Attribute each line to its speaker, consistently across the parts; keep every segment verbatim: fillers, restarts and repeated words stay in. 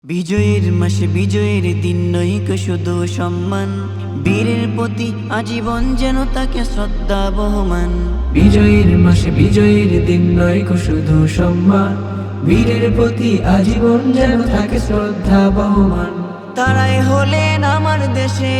Speaker 1: বিজয়ের মাসে বিজয়ের দিন নৈক শুধু সম্মান, বীরের প্রতি আজীবন যেন তাকে শ্রদ্ধা বহমান।
Speaker 2: বিজয়ের মাসে বিজয়ের দিন নয় শুধু সম্মান, বীরের প্রতি আজীবন যেন থাকে শ্রদ্ধা বহমান।
Speaker 1: তারাই হলেন আমার দেশে,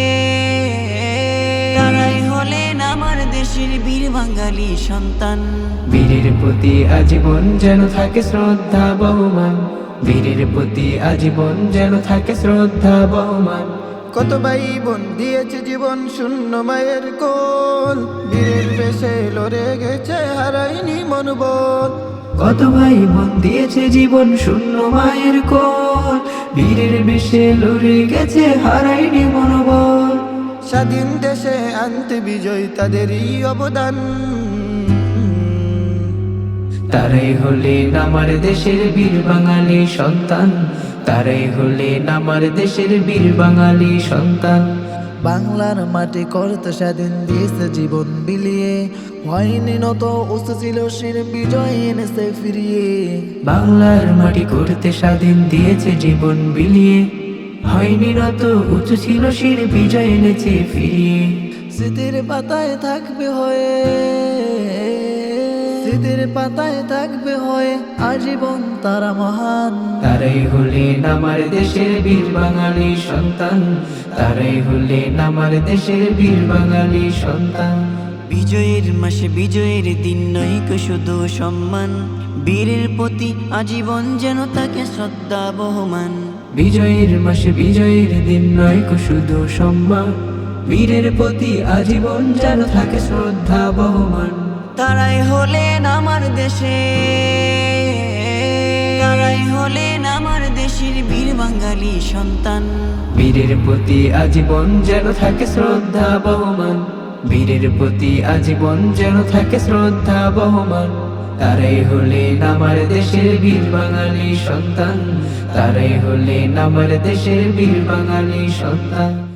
Speaker 1: তারাই হলেন আমার দেশের বীর বাঙালি সন্তান।
Speaker 2: বীরের প্রতি আজীবন যেন থাকে শ্রদ্ধা বহমান, বীরের প্রতি আজীবন যেন থাকে শ্রদ্ধা বহমান।
Speaker 3: কত ভাই বোন দিয়েছে জীবন শূন্য মায়ের কোল, বীরের বেশে লড়ে গেছে হারাইনি মনোবল।
Speaker 2: কত ভাই বোন দিয়েছে জীবন শূন্য মায়ের কোল, বীরের বেশে লড়ে গেছে হারাইনি মনোবল।
Speaker 3: স্বাধীন দেশে আনতে বিজয় তাদেরই অবদান,
Speaker 2: তারাই হলেন আমার দেশের বীর বাঙালি সন্তান, তারাই হলেন আমার দেশের বীর বাঙালি সন্তান।
Speaker 3: বাংলার মাটি করতে স্বাধীন দিয়েছে জীবন বিলিয়ে, হয়নি নত উচ্চ ছিল শির বিজয় এনেছে ফিরিয়ে।
Speaker 2: বাংলার মাটি করতে স্বাধীন দিয়েছে জীবন বিলিয়ে, হয়নি নত উঁচু ছিল শির বিজয় এনেছে ফিরিয়ে।
Speaker 3: স্মৃতির পাতায় থাকবে হয়ে, স্মৃতির পাতায় থাকবে হয়ে আজীবন তারা মহান।
Speaker 2: তারাই হলেন আমার দেশের বীর বাঙালি সন্তান, তারাই হলেন আমার দেশের বীর বাঙালি সন্তান।
Speaker 1: বিজয়ের মাসে বিজয়ের দিন নৈক শুধু সম্মান, বীরের প্রতি আজীবন যেন তাকে শ্রদ্ধা বহমান।
Speaker 2: বিজয়ের মাসে বিজয়ের দিন নয় শুধু সম্মান, বীরের প্রতি আজীবন যেন থাকে শ্রদ্ধা বহমান।
Speaker 1: তারাই হলেন আমার দেশে, তারাই হলেন আমার দেশের বীর বাঙালি সন্তান।
Speaker 2: বীরের প্রতি আজীবন যেন থাকে শ্রদ্ধা বহমান, বীরের প্রতি আজীবন যেন থাকে শ্রদ্ধা বহমান। তারাই হলেন আমার দেশের বীর বাঙালি সন্তান, তারাই হলেন আমার দেশের বীর বাঙালি সন্তান।